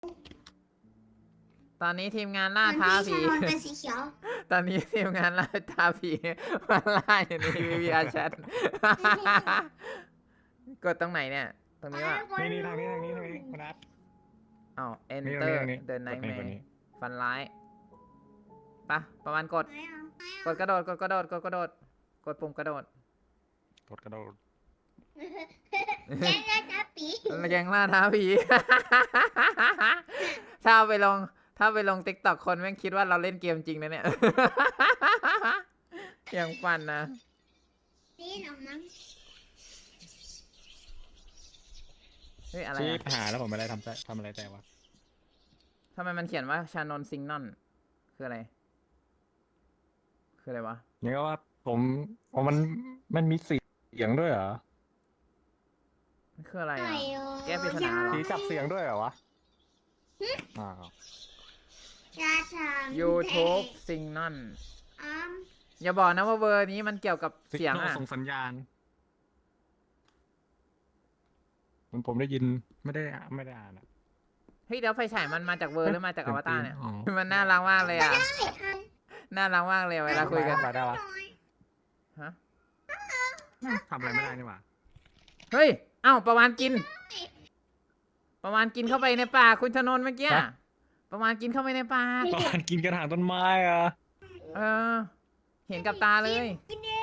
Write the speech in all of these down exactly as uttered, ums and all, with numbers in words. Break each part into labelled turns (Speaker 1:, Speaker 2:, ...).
Speaker 1: ตอนนี้ทีมงานล่าท้าผี
Speaker 2: มันเป็นสีเขียว
Speaker 1: ตอนนี้ทีมงานล่าท้าผีมาล่าอยู่ใน วี วี อาร์ Chat กดตรงไหนเนี่ย ตรงนี้ว่า
Speaker 3: นี่นี่ทางนี้ทางนี้ทางนี้คุณนัท
Speaker 1: อ้าว
Speaker 3: นี่
Speaker 1: enter
Speaker 3: ตรงนี้
Speaker 1: the
Speaker 3: ตรงนี้
Speaker 1: nightmare
Speaker 3: กดนี่
Speaker 1: ฟันร้ายปะประมาณกด กดกระโดด กดกระโดด กดกระโดด กดปุ่มกระโดด
Speaker 3: กดกระโดด
Speaker 2: แย่แย่จ้าปี
Speaker 1: แกงล่าท้าผี ถ้าเอาไปลง ถ้าไปลงติ๊กต็อกคนแม่งคิดว่าเราเล่นเกมจริงนะเนี่ย ยังฟันนะ
Speaker 2: นี่หนอมั้ง
Speaker 1: เฮ้ยอะไร
Speaker 3: ชี้
Speaker 1: อะ
Speaker 3: หาแล้วผมไม่ได้ทำใจทำอะไรแต่วะ
Speaker 1: ทำไมมันเขียนว่าชานนท์ซิงนอนคืออะไร คืออะไรวะ
Speaker 3: นี่ก็ว่าผมผมมันมันมีเสียงด้วยเหรอ
Speaker 1: คืออะไร
Speaker 2: ไก่
Speaker 1: อ่ะ
Speaker 2: เออ
Speaker 1: แก้ปริศนาเหรอ
Speaker 3: สีจับเสียงด้วยเหรอวะอ้าว
Speaker 2: ยาชาม
Speaker 1: YouTube ซิงนอน
Speaker 2: อ้อม
Speaker 1: อย่าบอกนะว่าเวอร์นี้มันเกี่ยวกับเสียง
Speaker 3: Signal
Speaker 1: อ่ะ
Speaker 3: ส่งสัญญาณมันผมได้ยินไม่ได้ไม่ได้อ่านอะ
Speaker 1: เฮ้ยเดี๋ยวไฟฉายมันมาจากเวอร์หรือมาจากอวตารเนี่ย
Speaker 3: อ๋อ
Speaker 1: มันน่ารักมากเลยอ่ะ
Speaker 2: ไม่ทัน
Speaker 1: น่ารักมากเลยเวลาคุยกัน
Speaker 3: ได้ได้วะ
Speaker 1: ฮะ
Speaker 3: ทำอะไรไม่ได้นี่หว่า
Speaker 1: เฮ้ย เอ้าประวานกิน ประวานกินเข้าไปในปากคุณชนนท์เมื่อกี้อะประวานกินเข้าไปในปาก
Speaker 3: ตอนกินกระถางต้นไม้อะ
Speaker 1: เออ เห็นกับตาเลย
Speaker 2: กินเอง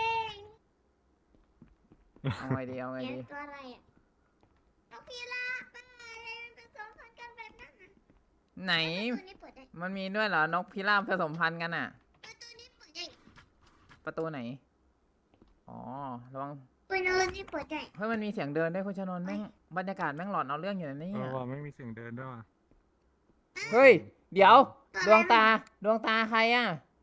Speaker 1: เอาไงดี เอาไง
Speaker 2: เลี้ย
Speaker 1: ดี
Speaker 2: งตัวอะไรอ่ะนกพิราบบ้าอะไรมันผสมพันธุ์กันแบบนั้นน่ะ
Speaker 1: ไหน
Speaker 2: ตัวนี้เปิดได้
Speaker 1: มันมีด้วยเหรอนกพิราบผสมพันธุ์กันอ่ะ
Speaker 2: ตัวนี้เปิดได้
Speaker 1: ประตูไหน อ๋อ ระวัง
Speaker 2: ตัวนี้เปิดได้
Speaker 1: เฮ้ยมันมีเสียงเดินด้วยคุณชนนท์แม่งบรรยากาศแม่งหลอนเอาเรื่องอยู่นะเนี่
Speaker 3: เอย อว่าไม่มีเสียงเดินด้วยว่ะ
Speaker 1: เฮ้ย เดี๋ยว ดวงตา ดวงตาใครอ่ะ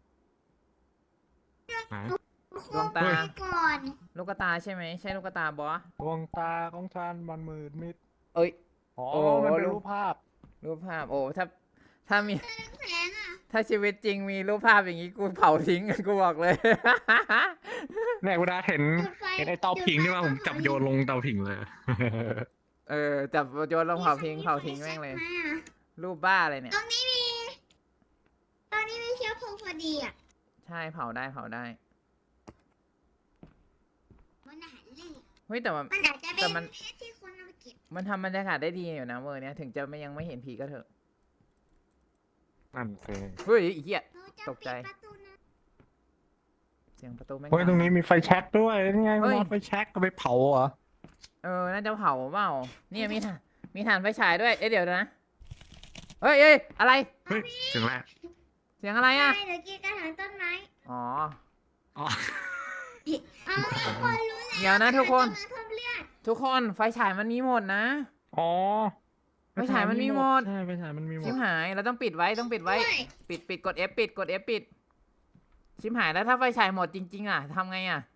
Speaker 3: ไหน
Speaker 1: ดวงตา
Speaker 2: ไปก่อน
Speaker 1: ลูกตาใช่ไหม ใช่ลูกตาบอส
Speaker 3: ดวงตาของฉันมันมืดมิด
Speaker 1: เอ้ย
Speaker 3: อ๋อ
Speaker 1: โอ้
Speaker 3: มันเป็น
Speaker 1: รูป
Speaker 3: รูปภาพ
Speaker 1: รูปภาพ โอ้ ถ้า ถ้ามี
Speaker 2: แสงอ่ะ
Speaker 1: ถ้าชีวิตจริงมีรูปภาพอย่างนี้กูเผาทิ้ง กูบอกเลย
Speaker 3: เนี่ยคุณอาเห็น
Speaker 2: จุดไฟ
Speaker 3: เห็นไอ้เตาผิงนี่ว่าผมจับโยนลงเตาผิงเลย
Speaker 1: เออ จับโยนลงเผาทิ้ง เผาทิ้งแม่งเลย รูปบ้าอะไรเนี่ย
Speaker 2: ตรงนี้มีตรงนี้มีเชื้อเพลิงพอดีอ่ะ
Speaker 1: ใช่ เผาได้ เผาได้
Speaker 2: มันอาหารเล่น
Speaker 1: เฮ้ย แต่ว่า
Speaker 2: มันอาจจะ
Speaker 1: แต่
Speaker 2: เป็น
Speaker 1: มัน
Speaker 2: เพชรที่คนเอาไปเก็บ
Speaker 1: มันทำบรรยากาศได้ดีอยู่นะเวอร์เนี้ย ถึงจะไม่ยังไม่เห็นผีก็เถอะ
Speaker 3: นั่นสิ
Speaker 1: เฮ้ยไอ้เหี้ย
Speaker 2: เราจะ
Speaker 1: ตกใจ
Speaker 2: ปิดประตูนะ
Speaker 1: เสียงประตูแม่ง
Speaker 3: เฮ้ยตรงนี้มีไฟแช็กด้วยนี่ไง
Speaker 1: เฮ้
Speaker 3: มัน
Speaker 1: ย
Speaker 3: เอาไฟแช็กเอาไปเผาเหรอ
Speaker 1: เออ น่าจะเผาเปล่าเนี่ยมีถ่านมีถ่านไฟฉายด้วย เอ๊ะเดี๋ยวนะ เฮ้ยเอ้ยอะไร
Speaker 3: เฮ้ยเสียงแรก
Speaker 1: เสียงอะไรอ่ะ
Speaker 2: ใช่เดี๋ยวกินกระถางต้นไม้
Speaker 1: อ๋อ
Speaker 3: อ๋อ
Speaker 2: เอาทุกคนรู้แล้ว
Speaker 1: เดี๋ยวนะทุกคน
Speaker 2: ต้นไม้เพิ่มเลือด
Speaker 1: ทุกคนไฟฉายมันมีหมดนะ
Speaker 3: อ๋อ
Speaker 1: ไฟฉายมันมีหมด
Speaker 3: ใช่ไฟฉายมันมีหม
Speaker 1: ชิ
Speaker 3: ด
Speaker 1: มหายเราต้องปิดไว้ต้องปิดไว้
Speaker 2: ด้วย
Speaker 1: ปิดปิดกด F ปิดกด F ปิด ชิมหายแล้วถ้าไฟฉายหมดจริง ๆ อ่ะทำไงอ่ะ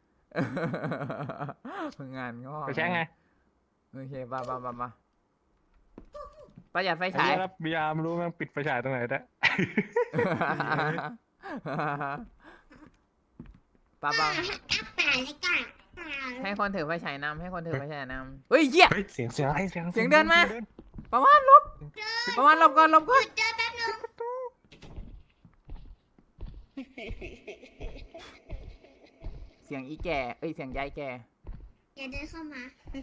Speaker 1: งานงอก
Speaker 3: ไฟแช็กไง
Speaker 1: โอเคปะปะปะปะประหยัดไฟ
Speaker 3: ไอ้
Speaker 1: ฉาย
Speaker 3: เหี้ยแล้วบีอาร์ไม่รู้แม่งปิดไฟฉายตรงไหนแต่
Speaker 1: ปะปะ
Speaker 2: อ่าอัปป่าเลยก่ะป่า
Speaker 1: ให้คนถือไฟฉายนำให้คนถือไฟฉายนำเฮ้ยเหี้ย
Speaker 3: เฮ้ยเสียงเสียงอะไรเสียง
Speaker 1: เสียงเดินมา ประมาณลบประมาณลบก่อนลบก่อน
Speaker 2: เจอแป๊บนึง
Speaker 1: เสียงอีแก่เอ้ยเสียงยายแก่
Speaker 2: อย่าเดินเข้ามา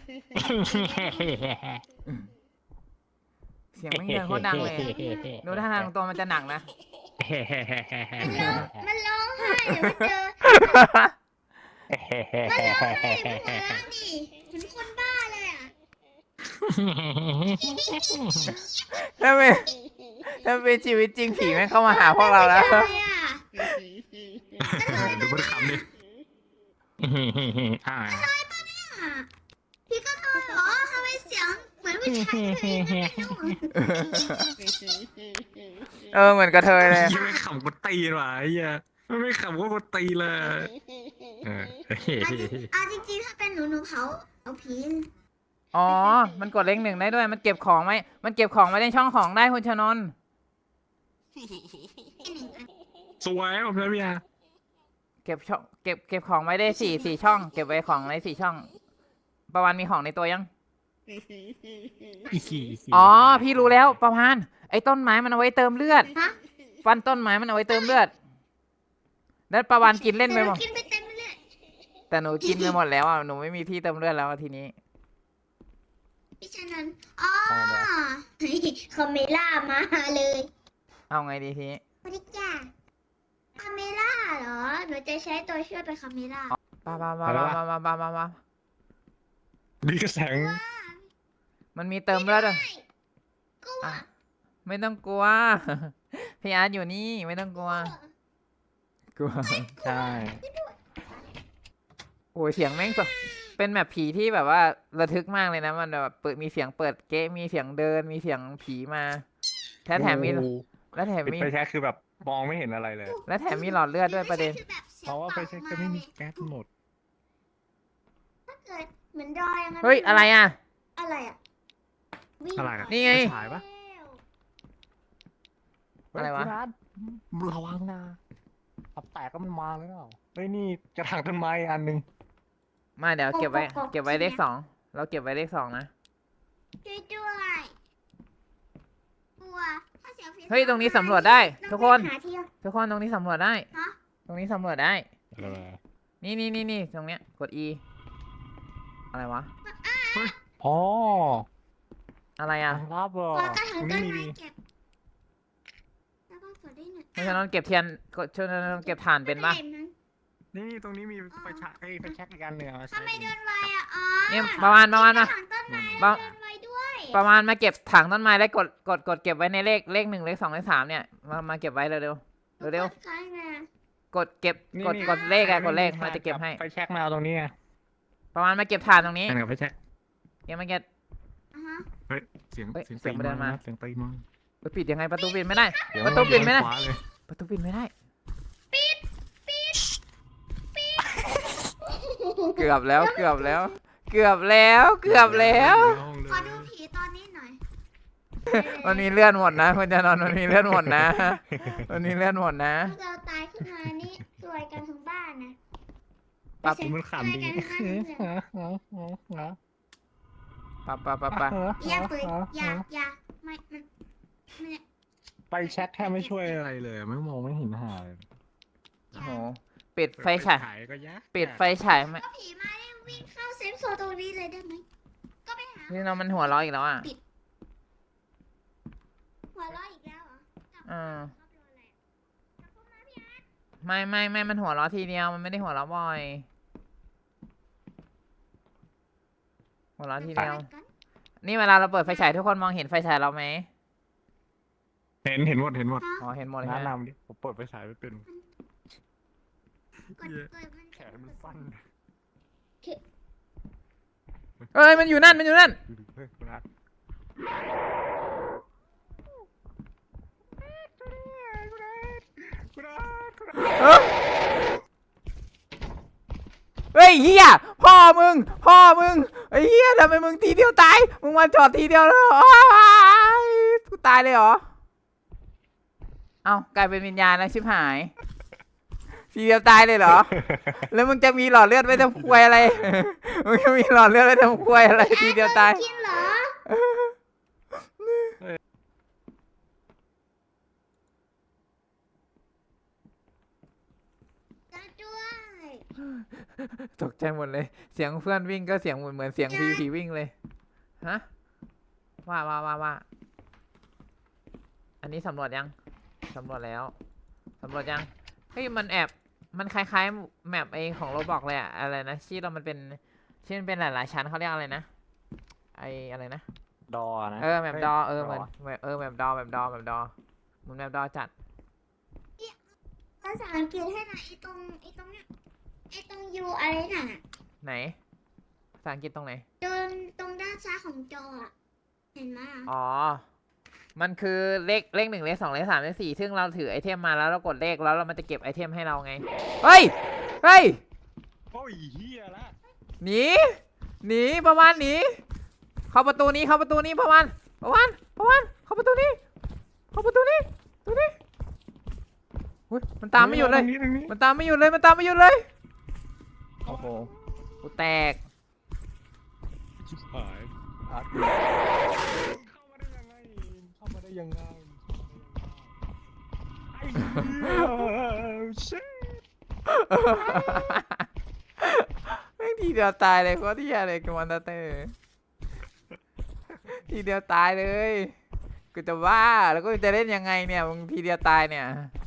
Speaker 1: เสียงแม่งเดินโคตรดังเลยดูท่าทางตัวมันจะหนักนะ
Speaker 2: มันร้องไห้เดี๋ยวมันเจอมันร้องไห้มันหัวเราะดิเหมือนคนบ้าเลยอ่ะ
Speaker 1: ถ้าเป็นถ้าเป็นชีวิตจริงผีแม่งเข้ามาหาพวกเราแล้ว
Speaker 2: อะไรอ่ะ
Speaker 3: ดูมันขำดิอ่า
Speaker 2: อ่ะพี่ก็ทำเหรอทำไมเสียงเหมือนผู้ชายเลยไม่รู้
Speaker 1: เออเหมือนกระเทยเลย
Speaker 3: ยังไม่ขำกูตีนว่ะไอ้เหี้ยมันไม่ขำกูตีเลยเออ
Speaker 2: เอาจริงๆถ้าเป็นหนูหนูเผาเอาผี
Speaker 1: อ๋อ มันกดเลขหนึ่งได้ด้วย มันเก็บของไว้ มันเก็บของไว้ในช่องของได้คุณชนนท์
Speaker 3: สวยผมเลยพี่อา
Speaker 1: เก็บช่อง เก็บ เก็บของไว้ได้สี่สี่ช่อง เก็บไว้ของในสี่ช่อง ประวันมีของในตัวยัง อ๋อ พี่รู้แล้ว ประวานไอ้ต้นไม้มันเอาไว้เติมเลือด
Speaker 2: ฮะ
Speaker 1: ฟันต้นไม้มันเอาไว้เติมเลือด แล้วประวานกินเล่นไปหมด
Speaker 2: กินไปเต็มเลย
Speaker 1: แต่หนูกินไปหมดแล้วอ่ะ หนูไม่มีที่เติมเลือดแล้วอะทีนี้
Speaker 2: พี่ชนันอ๋อ
Speaker 4: เอาไงดี
Speaker 2: คาเมล่ามาเลย
Speaker 1: เอาไงดีทีนี้
Speaker 2: สวัสดีจ้าคาเมล่าเหรอ หนูจะใช้ตัวช่วยเป็นคาเมล่า
Speaker 1: ปาปาปาปาปาปาปาปาปา
Speaker 3: ดีกระแสง
Speaker 1: มันมีเติมเลือดด้วย
Speaker 2: กลัว
Speaker 1: อ่ะ ไม่ต้องกลัว พี่อาร์ตอยู่นี่ไม่ต้องกลัว กลัว
Speaker 4: ใช่
Speaker 1: โอ้ยเสียงแม่งสดเป็นแบบผีที่แบบว่าระทึกมากเลยนะ มันแบบเปิดมีเสียงเปิดเก๊ะมีเสียงเดิน มีเสียงผีมาแถมแถมมี
Speaker 4: โอ้โห
Speaker 1: และแถม
Speaker 4: ปิด
Speaker 1: มี
Speaker 4: ไฟแช็กคือแบบมองไม่เห็นอะไรเลย
Speaker 1: และแถมมีหลอดเลือดด้วยประเด็น
Speaker 2: คือแบบสียง
Speaker 4: เพราะว่าไฟแช็กจะไม่มีแก๊สหมด
Speaker 2: ถ้าเกิดเหมือนดอยยังไง
Speaker 1: เฮ้ยอะไรอ่ะ
Speaker 2: อะไรอ่ะวิ่ง
Speaker 3: อะไรอะ
Speaker 1: นี่ไง
Speaker 4: ฉายปะ
Speaker 1: อะไรวะ
Speaker 4: เฮ้ยพี่นัทระวังนะตับแตกก็มันมาแล้วเฮ้ยนี่กระถางต้นไม้อันหนึง
Speaker 1: มาเดี๋ยวเก็บไว้ เก็บไว้เลขสองเราเก็บไว้เลขสองนะ
Speaker 2: ช่วยด้วยกลัวถ้าเสียงผี
Speaker 1: เฮ้ยตรงนี้สำรวจได้ ทุกคน
Speaker 2: หาที่
Speaker 1: ทุกคนตรงนี้สำรวจได้
Speaker 2: ฮะ
Speaker 1: ตรงนี้สำรวจได้
Speaker 4: อะไรวะ
Speaker 1: นี่นี่นี่นี่ตรงเนี้ยกด E อะไรวะ
Speaker 4: อ๋อ
Speaker 1: อะไรอ่ะ
Speaker 4: ทางลับเหรอ
Speaker 2: กลัวกระถาง
Speaker 4: ตรง
Speaker 2: ต้
Speaker 4: นี้
Speaker 2: น
Speaker 4: มี
Speaker 2: ไม้เก็บแล้วก็กดได้หนึ่ง
Speaker 1: เพราะฉะนั้นเก็บเทียนกดช่วยนั้นเก็บถ่านเป็นปะ
Speaker 4: นี่ตรงนี้มีไฟฉายเอ้ยไฟแช็กอีกอันหนึ่งเอามาใช้
Speaker 2: ทำไมเดินไวอ่ะอ๋อ
Speaker 1: เนี่ยประมาณประมาณ
Speaker 2: ก
Speaker 1: มา
Speaker 2: ระถางต้นไม้
Speaker 1: ประ
Speaker 2: เดินไวด้วย
Speaker 1: ประมาณมาเก็บถังต้นไม้แล้วกดกดกดเก็บไว้ในเลขเลขหนึ่งเลขสองเลขสามเนี่ยมามาเก็บไว้เร็วเร็วเร็วเร็ว
Speaker 2: กดคล้ายไง
Speaker 1: กดเก็บ
Speaker 4: นี่
Speaker 1: กด
Speaker 4: นี่
Speaker 1: กดเลขอะกดเลขมันจะเก็บให้
Speaker 4: ไฟแช็กมาเอาตรงนี้ไง
Speaker 1: ประมาณมาเก็บถ่านตรงนี้
Speaker 3: อันกับไฟแช็ก
Speaker 1: เก็บมาเก็บ
Speaker 2: อ่าฮะ
Speaker 3: เฮ้ยเสียง
Speaker 1: เฮ้ย
Speaker 3: เสียง
Speaker 1: เสียงมันเดินมา
Speaker 3: เสียงตีมา
Speaker 1: เฮ้ยปิดยังไงประตูปิดไม่ได้
Speaker 4: เดี๋ยว
Speaker 1: ประตูปิดไม่ได้
Speaker 3: ขวาเลย
Speaker 1: ประตูปิดไม่ได้ เกือบแล้วเกือบแล้ว เกือบแล้วเกือบแล้ว
Speaker 3: ในห้องเลย
Speaker 2: ขอดูผีตอนนี้หน่อย
Speaker 1: มันมีเลื่อนหมดนะคุณจะนอนมันมีเลื่อนหมดนะ มันมีเลื่อนหมดนะ
Speaker 2: ถ้าเราตายขึ้นมานี่สวยกันทั้งบ้านนะ
Speaker 1: ปั๊บ
Speaker 3: มันขำดี
Speaker 2: สวยกันทั้งบ้านเลย
Speaker 1: ปะปะปะปะ
Speaker 2: อย่าเปิดอย่าอย่าไม่มันมัน
Speaker 4: ไฟแช็กแทบไม่ช่วยอะไรเลยไม่มองไม่เห็นหาเลย
Speaker 1: โอ้โหปิดไฟฉาย
Speaker 3: ก็ยาก
Speaker 1: ปิดไฟฉายไหม
Speaker 2: ก็ผีมาได้วิ่งเข้าเซฟโซนตรงนี้เลยได้ไหมก็ไปหา
Speaker 1: นี่เรามันหัวเร้ออีกแล้วอ่ะ
Speaker 2: หัวเราะอีกแล้วเหรอ
Speaker 1: อืม
Speaker 2: ชอบโดนอะไรอะกลับเข้ามาพี่อาร์ต
Speaker 1: ไม่ไม่ไม่มันหัวเร้อทีเดียวมันไม่ได้หัวเร้อบ่อย หัวเร้อทีเดียว
Speaker 2: กัน
Speaker 1: นี่เวลาเราเปิดไฟฉายทุกคนมองเห็นไฟฉายเราไหม
Speaker 3: เห็นเห็นหมดเห็นหมด
Speaker 1: อ๋อเห็นหมดเลย
Speaker 4: แนะ
Speaker 1: ใช่ไหม
Speaker 4: นำดิผมเปิดไฟฉายไม่เป็น
Speaker 2: กดกดมัน
Speaker 4: แขนมันสั้น
Speaker 1: เอ้ยมันอยู่นั่นมันอยู่นั่น
Speaker 4: ดูดิเฮ้ยคุณอาร์ต
Speaker 1: เอ้ยเฮ้ยเฮียพ่อมึง พ่อมึงไอ้เฮียทำไมมึงทีเดียวตาย มึงมาจอดทีเดียวแล้วอ้ายกูตายเลยเหรอ เอ้ากลายเป็นวิญญาณแล้วชิบหาย ทีเดียวตายเลยเหรอ แล้วมึงจะมีหลอดเลือดไว้ทำควยอะไร มึงจะมีหลอดเลือดไว้ทำควยอะไรทีเดียวตาย
Speaker 2: กินเหรอจะด้วย
Speaker 1: ตกใจหมดเลย เสียงเพื่อนวิ่งก็เสียงเหมือนเหมือนเสียงผีผีวิ่งเลย ฮะ ว่าว่าว่าว่า อันนี้สำรวจยัง สำรวจแล้ว สำรวจยัง เฮ้ยมันแอบ มันคล้ายๆแมปไอของโรบอกเลยอะอะไรนะที่เรามันเป็นที่มันเป็นหลายๆชั้นเขาเรียกอะไรนะ ไออะไรนะ
Speaker 4: ดอนะ
Speaker 1: เออแมปดอเออเหมือน
Speaker 4: ด
Speaker 1: เออแมปดอแมปดอแมปดอเหมือนแมปดอจัด
Speaker 2: ภาษาอังกฤษให้หน่อยไอ้ตรงไอ้ตรงเนี้ยไอ้ตรงยูอะไรน่ะ
Speaker 1: ไหน ภาษาอังกฤษตรงไหน
Speaker 2: ตรงตรงด้านซ้ายของจออะเห็นไหมอะ
Speaker 1: อ๋อ มันคือเลขเลขหนึ่งเลขสองเลขสามเลขสี่ซึ่งเราถือไอเทมมาแล้วเรากดเลขแล้วเรามันจะเก็บไอเทมให้เราไง เฮ้ย เฮ้ย
Speaker 4: โอ้ยเฮียละ
Speaker 1: หนี หนีประมาณหนี เข้าประตูนี้เข้าประตูนี้ประมาณประมาณประมาณเข้าประตูนี้ เข้าประตูนี้ประตูนี้อุ้ยมันตามไม่หยุดเลย
Speaker 3: ตรงนี้ตรงนี้
Speaker 1: มันตามไม่หยุดเลย มันตามไม่หยุดเลย โอ้โห กูแตก
Speaker 3: ชิบหาย
Speaker 4: อาร์ตเข้ามาได้ยังไงเข้ามาได้ยังไงไอ้เหี้ยเช่
Speaker 1: แม่งทีเดียวตายเลยโคตรเหี้ยเลยกับมอนสเตอร์ทีเดียวตายเลยกูจะว่าแล้วก็จะเล่นยังไงเนี่ยมึงทีเดียวตายเนี่ย